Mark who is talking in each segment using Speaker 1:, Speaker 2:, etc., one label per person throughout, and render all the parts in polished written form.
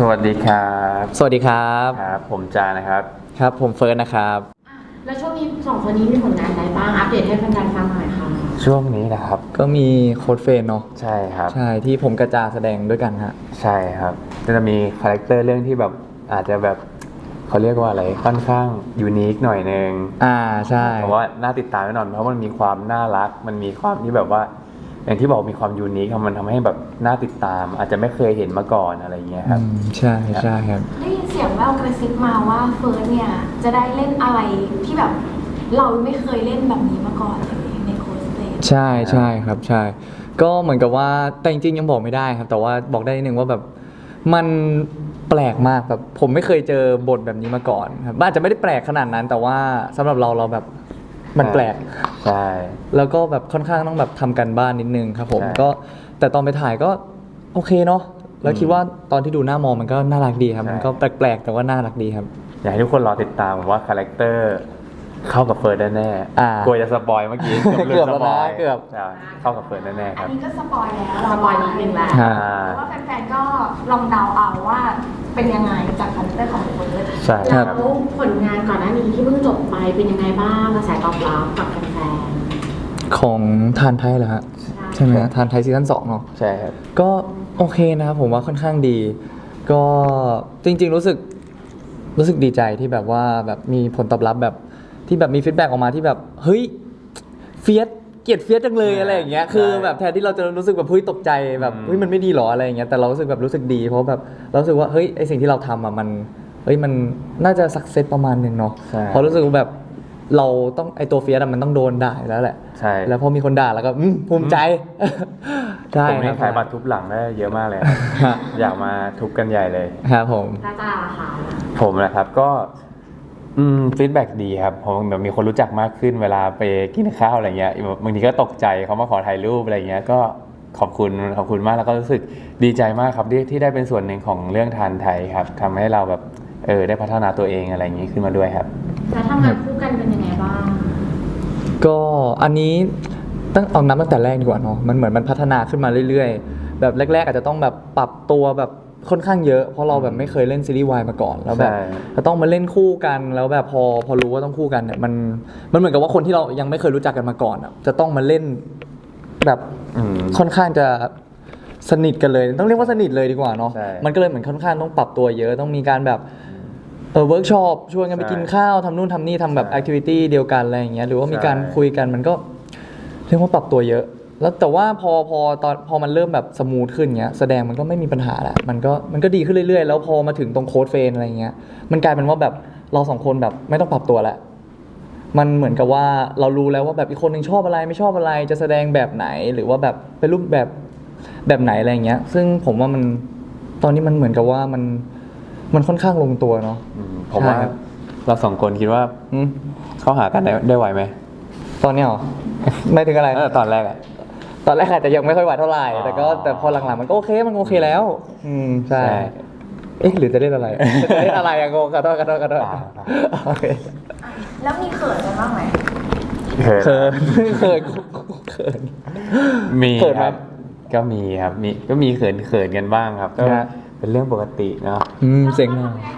Speaker 1: วัสดีครับ
Speaker 2: สวัสดีครับ
Speaker 1: ครับผมจานะครับ
Speaker 2: ครับผมเฟิร์สนะครับ
Speaker 3: แล้วช่วงนี้สองคนนี้มีผลงานอะไรบ้างอัปเดตให้แฟนๆฟังหน่อยค่ะ
Speaker 1: ช่วงนี้นะครับ
Speaker 2: ก็มีโค้ดเฟรนเนาะ
Speaker 1: ใช่ครับ
Speaker 2: ใช่ที่ผมกระจาแสดงด้วยกันฮะ
Speaker 1: ใช่ครับจะมีคาแรคเตอร์เรื่องที่แบบอาจจะแบบเขาเรียกว่าอะไรค่อนข้างยูนิคหน่อยนึง
Speaker 2: ใช่
Speaker 1: เพราะว่าน่าติดตามแน่นอนเพราะมันมีความน่ารักมันมีความที่แบบว่าอย่างที่บอกมีความยูนิคมันทำให้แบบน่าติดตามอาจจะไม่เคยเห็นมาก่อนอะไรเงี้ยครับ
Speaker 2: ใช่ใช่ครับ
Speaker 3: ได้ยินเสียงแว่วกระซิบมาว่าเฟิร์สเนี่ยจะได้เล่นอะไรที่แบบเราไม่เคยเล่นแบบนี้มาก่อนเลยในโค้ชเต
Speaker 2: ใช่ใช่ครับใช่ก็เหมือนกับว่าแต่จริงๆยังบอกไม่ได้ครับแต่ว่าบอกได้นิดนึงว่าแบบมันแปลกมากแบบผมไม่เคยเจอบทแบบนี้มาก่อนครับอาจจะไม่ได้แปลกขนาดนั้นแต่ว่าสำหรับเราแบบมันแปลก
Speaker 1: ใช่
Speaker 2: แล้วก็แบบค่อนข้างต้องแบบทำกันบ้านนิดนึงครับผมก็แต่ตอนไปถ่ายก็โอเคเนาะแล้วคิดว่าตอนที่ดูหน้ามองมันก็น่ารักดีครับมันก็แปลกๆแต่ว่าน่ารักดีครับ
Speaker 1: อยากให้ทุกคนรอติดตามว่าคาแรคเตอร์เข้ากับเฟิร์นแน่ๆกลัวจะสปอยเมื่อกี้
Speaker 2: เกือบแล้วนะเกือบ
Speaker 1: เข้ากับเฟิร์นแน่ๆครับ
Speaker 3: อันนี้ก็สปอยแล้วสปอยนิดนึงแล้วเพราะว่าแฟนๆก็ลองเดาเอาว่าเป็นยังไงจากคาแรคเตอร์ของเฟิร์ส
Speaker 1: ใช่
Speaker 3: ครับแล้วผลงานก่อนหน้านี้ที่เพิ่งจบไปเป็นยังไงบ้างกระแสตอบรับกับแฟน
Speaker 2: ๆของทานไทยเหรอฮะใช่ไหมทานไทยซีซั่น2เนาะ
Speaker 1: ใช่ครับ
Speaker 2: ก็โอเคนะครับผมว่าค่อนข้างดีก็จริงๆรู้สึกดีใจที่แบบว่าแบบมีผลตอบรับแบบที่แบบมีฟีดแบ็กออกมาที่แบบเฮ้ยเฟียสเกลียดเฟียสจังเลยอะไรอย่างเงี้ยคือแบบแทนที่เราจะรู้สึกแบบเฮ้ยตกใจแบบเฮ้ยมันไม่ดีหรออะไรอย่างเงี้ยแต่เรารู้สึกแบบรู้สึกดีเพราะแบบเรารู้สึกว่าเฮ้ยไอสิ่งที่เราทำอ่ะมันเฮ้ยมันน่าจะสักเซสประมาณนึงเนาะเพราะรู้สึกว่าแบบเราต้องไอตัวเฟียสมันต้องโดนด่าแล้วแหละ
Speaker 1: ใช่
Speaker 2: แล้วพอมีคนด่าแล้วก็ภูมิใจใช่
Speaker 1: ผมนี่ขายบัตรทุบหลังได้เยอะมากเลยอยากมาทุบกันใหญ่เลย
Speaker 2: ครับผม
Speaker 3: น่าจะราคา
Speaker 1: ผมนะครับก็ฟีดแบ็กดีครับผมแบบมีคนรู้จักมากขึ้นเวลาไปกินข้าวอะไรเงี้ยบางทีก็ตกใจเขามาขอถ่ายรูปอะไรเงี้ยก็ขอบคุณมากแล้วก็รู้สึกดีใจมากครับที่ได้เป็นส่วนหนึ่งของเรื่องทานไทยครับทำให้เราแบบได้พัฒนาตัวเองอะไรอย่างนี้ขึ้นมาด้วยครับ
Speaker 3: แล้วทำงานคู่กันเป็นยังไงบ้าง
Speaker 2: ก็อันนี้เอานับตั้งแต่แรกดีกว่าเนาะมันเหมือนมันพัฒนาขึ้นมาเรื่อยๆแบบแรกๆอาจจะต้องแบบปรับตัวแบบค่อนข้างเยอะเพราะเราแบบไม่เคยเล่นซีรีส์วายมาก่อนแล้วแบบจะต้องมาเล่นคู่กันแล้วแบบพอรู้ว่าต้องคู่กันเนี่ยมันเหมือนกับว่าคนที่เรายังไม่เคยรู้จักกันมาก่อนอ่ะจะต้องมาเล่นแบบค่อนข้างจะสนิทกันเลยต้องเรียกว่าสนิทเลยดีกว่าเนาะมันก็เลยเหมือนค่อนข้างต้องปรับตัวเยอะต้องมีการแบบเวิร์กช็อปชวนกันไปกินข้าวทำนู่นทำนี่ทำแบบแอคทิวิตี้เดียวกันอะไรอย่างเงี้ยหรือว่ามีการคุยกันมันก็เรียกว่าปรับตัวเยอะแล้วแต่ว่าพอมันเริ่มแบบสมูทขึ้นเงี้ยแสดงมันก็ไม่มีปัญหาแหละมันก็ดีขึ้นเรื่อยๆแล้วพอมาถึงตรงโค้ดเฟรนอะไรเงี้ยมันกลายเป็นว่าแบบเราสองคนแบบไม่ต้องปรับตัวแล้วมันเหมือนกับว่าเรารู้แล้วว่าแบบอีกคนนึงชอบอะไรไม่ชอบอะไรจะแสดงแบบไหนหรือว่าแบบเป็นรูปแบบไหนอะไรเงี้ยซึ่งผมว่ามันตอนนี้มันเหมือนกับว่ามันค่อนข้างลงตัวเนาะ
Speaker 1: ผมว่าเราสองคนคิดว่าเข้าหากันได้ไหวไหม
Speaker 2: ตอนนี้หรอไม่ถึงอะไร
Speaker 1: ตอนแรกอะ
Speaker 2: ตอนแรกอาจจะยังไม่ค่อยไหวเท่าไหร่แต่พอหลังๆมันก็โอเคแล้วใช่หรือจะเล่นอะไรจะเล่นอะไรอะโง่กระโดดโอเค
Speaker 3: แล้วมีเขินกันบ้างไหม
Speaker 2: เขิน
Speaker 1: มีครับก็มีครับก็มีเขินกันบ้างครับก็เป็นเรื่องปกติเนาะ
Speaker 2: เสียง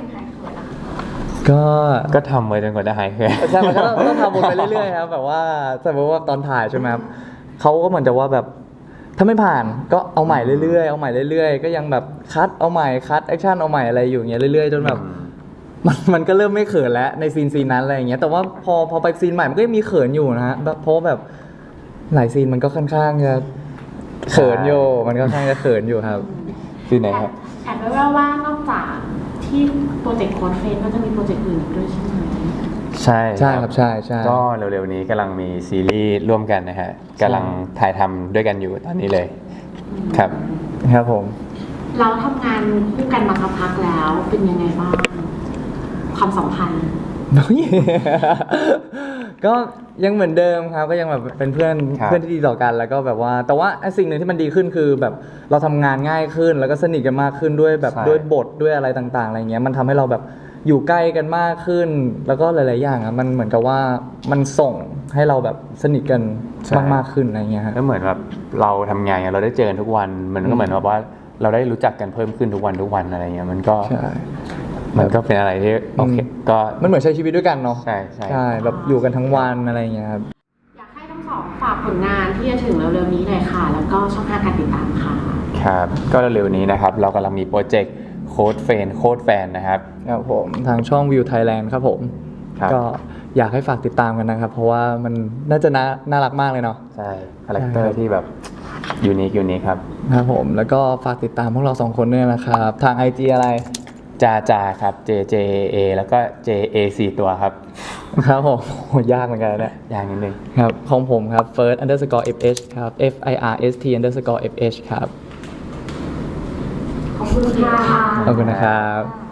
Speaker 2: ก็
Speaker 1: ทำไว้จนกว่าจะหายเขิน
Speaker 2: ใช่มันก็ต้องทำวนไปเรื่อยๆครับแบบว่าสมมติว่าตอนถ่ายใช่ไหมครับเขาก็เหมือนจะว่าแบบถ้าไม่ผ่านก็เอาใหม่เรื่อยๆก็ยังแบบคัดเอาใหม่คัดแอคชั่นเอาใหม่อะไรอยู่อย่างเงี้ยเรื่อยๆจนแบบมันก็เริ่มไม่เขินแล้วในซีนนั้นอะไรอย่างเงี้ยแต่ว่าพอไปซีนใหม่มันก็ยังมีเขินอยู่นะฮะเพราะแบบหลายซีนมันก็ค่อนข้างจะเขินอยู่มันก็ค่อนข้างจะเขินอยู่ครับ
Speaker 1: ซีนไหนครับ
Speaker 3: แอบแว่วๆว่านอกจากที่โปรเจกต์โค้ดเฟรนก็จะมีโปรเจกต์อื่นด้วยใช่ไหม
Speaker 1: ใช่
Speaker 2: ครับใช่
Speaker 1: ก็เร็วๆนี้กำลังมีซีรีส์ร่วมกันนะฮะกำลังถ่ายทำด้วยกันอยู่ตอนนี้เลยครับ
Speaker 2: ผม
Speaker 3: เราทำงานคู่กันมาสักพักแล้วเป็นยังไงบ้างความสัมพันธ์
Speaker 2: ก็ยังเหมือนเดิมครับก็ยังแบบเป็นเพื่อนที่ดีต่อกันแล้วก็แบบว่าแต่ว่าสิ่งหนึ่งที่มันดีขึ้นคือแบบเราทำงานง่ายขึ้นแล้วก็สนิทกันมากขึ้นด้วยแบบด้วยบทด้วยอะไรต่างๆอะไรเงี้ยมันทำให้เราแบบอยู่ใกล้กันมากขึ้นแล้วก็หลายๆอย่างอ่ะมันเหมือนกับว่ามันส่งให้เราแบบสนิทกันมากขึ้นอะไรเงี้ย
Speaker 1: ก็เหมือนแบบเราทำงานเราได้เจอกันทุกวันมันก็เหมือนแบบว่าเราได้รู้จักกันเพิ่มขึ้นทุกวันอะไรเงี้ยมันก็
Speaker 2: ใช่
Speaker 1: มันก็เป็นอะไรที่โอเคก็
Speaker 2: มันเหมือนใช้ชีวิตด้วยกันเนาะ
Speaker 1: ใช่ใช่
Speaker 2: แบบอยู่กันทั้งวันอะไรอย่างเงี้ยครับ
Speaker 4: อยากให้ทั้งสองฝากผลงานที่จะถึงเร็วๆนี้หน่อยค่ะ แล้วก็ช่องทางการติดตามค่ะ
Speaker 1: ครับก็เร็วๆนี้นะครับเรากำลังมีโปรเจกต์โค้ดแฟนนะครับ
Speaker 2: ครับผมทางช่อง View Thailand ครับผม
Speaker 1: ครับ
Speaker 2: ก็อยากให้ฝากติดตามกันนะครับ เพราะว่ามันน่าจะน่ารักมากเลยเนาะ
Speaker 1: ใช่คาแรคเตอร์ที่แบบยูนิคครับ
Speaker 2: ครับผมแล้วก็ฝากติดตามพวกเรา2คนด้วยนะครับ ทาง IG อะไร
Speaker 1: จาครับ JJA แล้วก็ JA 4 ตัวครับ
Speaker 2: ครับผมโหยากเหมือนกันนะเนี่ย
Speaker 1: อย่างนิดนึง
Speaker 2: ครับของผมครับ first_fh ครับ first_fh ครับ
Speaker 3: ขอบคุณค่ะ
Speaker 2: ขอบคุณนะครับ